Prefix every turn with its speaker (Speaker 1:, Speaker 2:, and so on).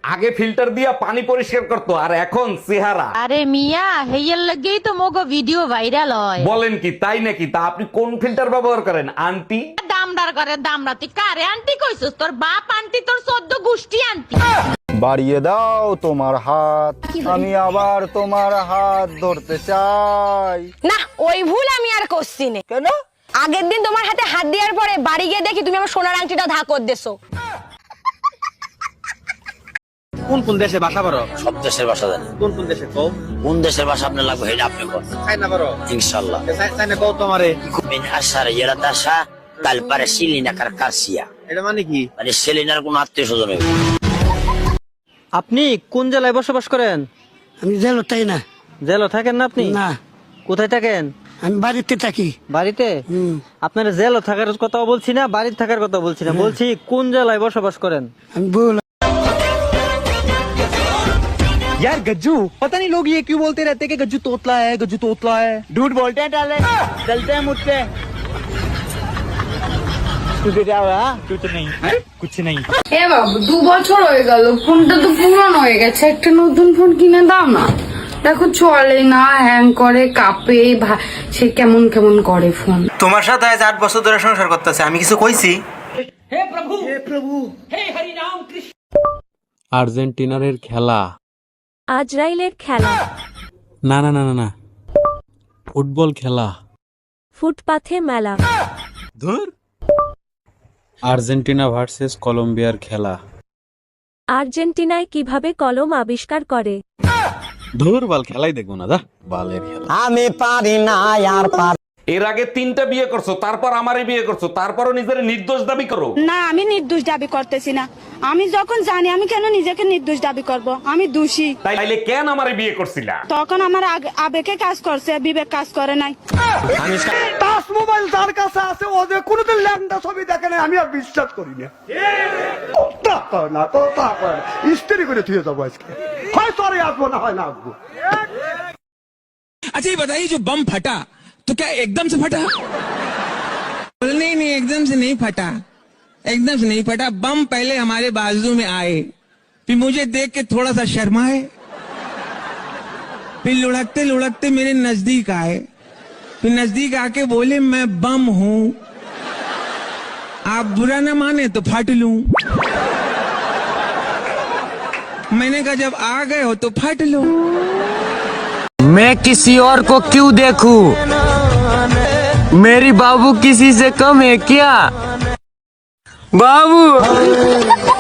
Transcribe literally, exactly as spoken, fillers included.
Speaker 1: আগে ফিল্টার দিয়া পানি পরিষ্কার করতো আর এখন চেহারা।
Speaker 2: আরে মিয়া হেয়ার লাগেই তো মোগো ভিডিও ভাইরাল হয়।
Speaker 1: বলেন কি তাই নাকি? তা আপনি কোন ফিল্টার ব্যবহার করেন আন্টি?
Speaker 2: দামদার করে দামরা তুই কারে আন্টি কইছস? তোর বাপ আন্টি, তোর চোদ্দ গোষ্ঠী আন্টি।
Speaker 3: বাড়িয়ে দাও তোমার হাত, আমি আবার তোমার হাত ধরতে চাই।
Speaker 4: না ওই ভুল আমি আর করছি না।
Speaker 3: কেন?
Speaker 4: আগের দিন তোমার হাতে হাত দেওয়ার পরে বাড়ি গিয়ে দেখি তুমি আমার সোনার আংটিটা ধাকর দেছো।
Speaker 5: কোন কোন দেশে বাসা পারো?
Speaker 6: সব দেশের ভাষা জানি।
Speaker 5: কোন কোন দেশে কও?
Speaker 6: কোন দেশের ভাষা আপনার লাগবে সেটা আপনি বলেন।
Speaker 5: চাইনা পারো?
Speaker 6: ইনশাআল্লাহ।
Speaker 5: চাইনা কও তোমারে।
Speaker 6: মিন আশার ইয়ারাতাশা তাল পারে সিলিনা কারকাসিয়া।
Speaker 5: এটা মানে কি?
Speaker 6: মানে সেলিনার কোন আত্মীয় স্বজন হইবে।
Speaker 5: আপনি কোন জেলায় বসবাস করেন?
Speaker 7: আমি জেল তাই না।
Speaker 5: জেলে থাকেন না আপনি?
Speaker 7: না,
Speaker 5: কোথায় থাকেন?
Speaker 7: আমি বাড়িতে থাকি।
Speaker 5: বাড়িতে? আপনার জেলে থাকার কথা বলছি না, বাড়িতে থাকার কথা বলছি না, বলছি কোন জেলায় বসবাস করেন?
Speaker 7: আমি বল
Speaker 8: यार गज्जू, पता नहीं लोग ये क्यों बोलते रहते हैं कि गज्जू तोतला है, गज्जू तोतला है। झूठ बोलते हैं टाले, चलते हैं मुझसे। तुझे क्या हुआ? कुछ नहीं, कुछ नहीं।
Speaker 9: এ বাবু দু বছর হয়ে গেল, ফোনটা তো পুরানো হয়ে গেছে, একটা নতুন ফোন কিনে দাও না। দেখো চলে না, হ্যাং করে, কাঁপে, সে কেমন কেমন করে ফোন।
Speaker 8: তোমার সাথে আজ আট বছর ধরে সংসার করতেছে, আমি কিছু কইছি?
Speaker 10: আর্জেন্টিনার খেলা,
Speaker 11: আজরাইলের খেলা,
Speaker 10: না না না না না ফুটবল খেলা,
Speaker 11: ফুটপাথে মেলা,
Speaker 10: ধুর। আর্জেন্টিনা ভার্সেস কলম্বিয়ার খেলা,
Speaker 11: আর্জেন্টিনায় কিভাবে কলম আবিষ্কার করে।
Speaker 10: ধুর বাল, খেলাই দেখবো না, দা বালের খেলা।
Speaker 3: আমি পারি না আর পারি।
Speaker 1: এর আগে তিনটা বিয়ে করছো, তারপর আমারে বিয়ে করছো, তারপরও নিজের নির্দোষ দাবি করো।
Speaker 4: না আমি নির্দোষ দাবি করতেছি না। আমি যখন জানি আমি কেন নিজেকে নির্দোষ দাবি করব? আমি দোষী।
Speaker 1: তাইলে কেন আমারে বিয়ে করছিলা?
Speaker 4: তখন আমার আবেগে কাজ করছে, বিবেক কাজ করে নাই।
Speaker 7: টাচ মোবাইল যার কাছে আছে ও যে কোনোদিন ল্যান্ডা ছবি দেখে নাই, আমি আর বিশ্বাস করি না। তা কর না তো, তা কর স্ত্রী করে থুয়ে যাবো আজকে, হয় তোরে আসবো না হয় না আসবো।
Speaker 8: अच्छा ये बताइए, जो बम फटा तो क्या एकदम से फटा? नहीं नहीं, एकदम से नहीं फटा, एकदम से नहीं फटा। बम पहले हमारे बाजू में आए, फिर मुझे देख के थोड़ा सा शर्माए, फिर लुढ़कते लुढ़कते मेरे नजदीक आए, फिर नजदीक आके बोले मैं बम हूं, आप बुरा ना माने तो फट लूं। मैंने कहा जब आ गए हो तो फट लो।
Speaker 12: मैं किसी और को क्यों देखूं? मेरी बाबू किसी से कम है क्या? बाबू